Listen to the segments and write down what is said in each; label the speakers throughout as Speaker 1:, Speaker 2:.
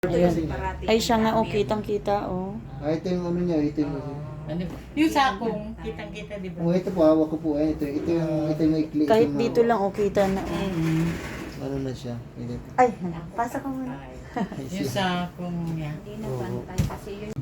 Speaker 1: Ayan. Ay, siya nga, oh, kitang-kita, oh.
Speaker 2: Ito yung ano niya, ito yung...
Speaker 3: Ano ba? Yung sakong, kitang-kita, di ba?
Speaker 2: Oh, ito po, hawak ko po. Ito yung maikli.
Speaker 1: Kahit
Speaker 2: ito
Speaker 1: dito lang, oh, kita na, oh.
Speaker 2: Ano na siya. Ito.
Speaker 1: Ay, pasa ka muna.
Speaker 3: Yung sakong niya.
Speaker 4: Hindi na pantay kasi yun.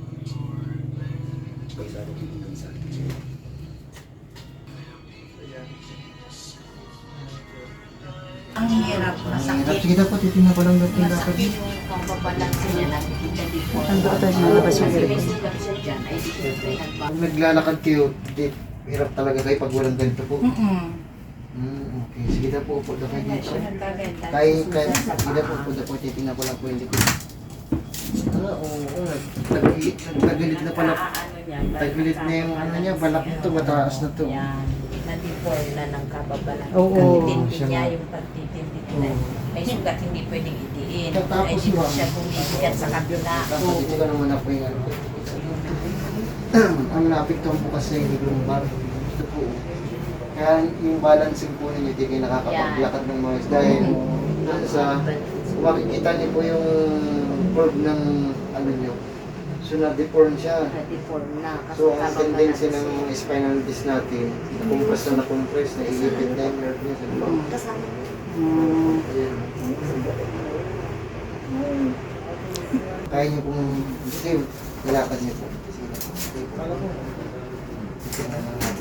Speaker 3: Ang hirap,
Speaker 2: Hirap.
Speaker 3: masakit.
Speaker 2: Sige na po, titignan ko lang natin dapat.
Speaker 4: Masakit yung pambabalansin niya nakikita dito.
Speaker 1: Ang doon tayo nalabas yung
Speaker 4: Kasi may
Speaker 1: hirap.
Speaker 4: sugat siya dyan. Ay, di syempre
Speaker 2: Kung naglalakad kayo, hirap talaga kayo pag walang ganito po. Okay. Sige na po, upo na kayo dito. Kahit, sige na po, upo na po, titignan ko lang po yung likod. Oo. Tagilid na pala.
Speaker 4: Ano niya.
Speaker 2: Tagilid na yung ano niya, balak nito, mataas na to.
Speaker 4: Yan. Na-deform na ng kababalan.
Speaker 1: Oo,
Speaker 4: Pagtitindi
Speaker 2: siya
Speaker 4: niya
Speaker 2: nga.
Speaker 4: yung pagtitindi na. May sugat hindi pwedeng itiin.
Speaker 2: Tapos
Speaker 4: Ay, hindi
Speaker 2: ma'am.
Speaker 4: siya bumibigat sa kabila.
Speaker 2: Tapos dito ka naman ako yung ano. Ang naapektuhan po kasi yung lumbar. Ito po. Kaya yung balancing po ninyo, hindi kayo nakakapaglakad ng mga dahil sa makikita niyo po yung curve ng ano niyo. So na-deform siya.
Speaker 4: Na-deform na. Kasi
Speaker 2: So ang
Speaker 4: kababalan.
Speaker 2: tendency ng spinal disc natin, na-compress, naiipit na yung nerve niya sa loob.
Speaker 4: Kasama.
Speaker 2: Ayan. Kaya niyo pong, kasi nilakad niyo po. Sige po. Tingnan lang natin.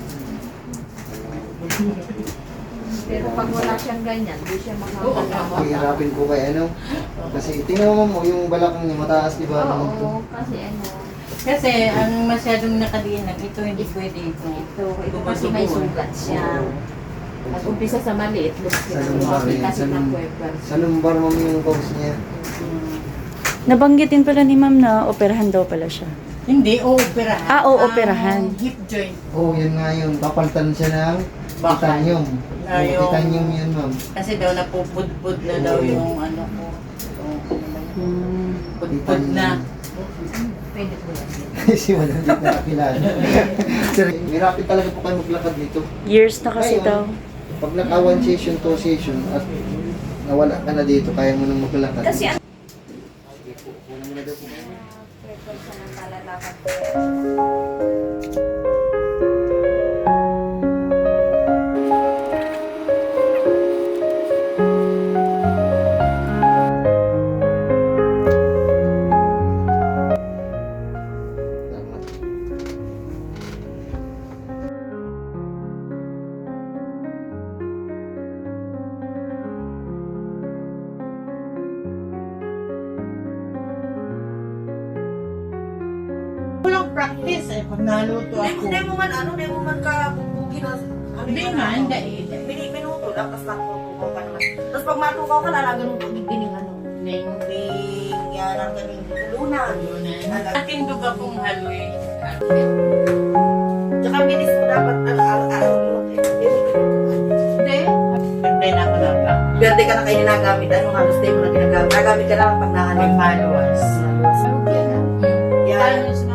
Speaker 4: Pero pag wala siyang ganyan, di siya makakalawa.
Speaker 2: Hihirapin po kayo, ano? Kasi tingnan mo yung balakang niya mataas, di ba?
Speaker 4: Oo, kasi ano,
Speaker 3: Kasi ang masyadong nakadiinag, ito hindi pwede ito.
Speaker 4: ito kasi may sugat siya. Nag-umpisa sa maliit,
Speaker 2: Sa lumbar yan,
Speaker 4: kasi
Speaker 2: sa lumbar.
Speaker 4: na-puwerper.
Speaker 2: Sa lumbar mo yung cause niya.
Speaker 1: Nabanggitin pala ni ma'am na operahan daw pala siya.
Speaker 3: Hindi, operahan.
Speaker 1: Ah, operahan.
Speaker 3: Ang hip joint.
Speaker 2: Oo, yun nga yun. Papalitan siya ng
Speaker 3: Bakal.
Speaker 2: titanium.
Speaker 3: Ah, yung-
Speaker 2: Titanium yun, ma'am.
Speaker 3: Kasi daw napupudpud na daw yung ano ko. Yung ano ba yun? Pudpud na.
Speaker 4: Pwede po yan.
Speaker 2: Kasi wala hindi nakakilala. Sir, mirapit talaga po kayo maglakad dito.
Speaker 1: Years na kasi
Speaker 2: Ngayon,
Speaker 1: daw.
Speaker 2: Pag naka 1 session, 2 session, at nawala ka na dito, kaya mo nang maglakad.
Speaker 4: Kasi ano,
Speaker 2: Sige po, una muna daw po kayo.
Speaker 4: prefer siya ng talalakad.
Speaker 2: Tama.
Speaker 3: Walang practice eh, pag naluto ako.
Speaker 5: Hindi mo man ano, hindi mo man ka bubugi na ano
Speaker 3: Hindi
Speaker 5: yun,
Speaker 3: nga,
Speaker 5: ano.
Speaker 3: hindi.
Speaker 5: Minuto lang, tapos natutukaw ka naman. Tapos pag matukaw ka, lalagan mo pagbibining ano.
Speaker 3: Ning
Speaker 5: Bing, yan ang galing tulunan.
Speaker 3: aking duga kong haloy.
Speaker 5: Tsaka bilis mo dapat, araw-araw mo.
Speaker 3: Hindi. Hindi na ako lang.
Speaker 5: Berde ka na kayo ginagamit, ano halos tayo mo na ginagamit. Nagamit ka lang pag
Speaker 3: May
Speaker 5: nahanap.
Speaker 3: followers.
Speaker 5: Yan.
Speaker 3: Paano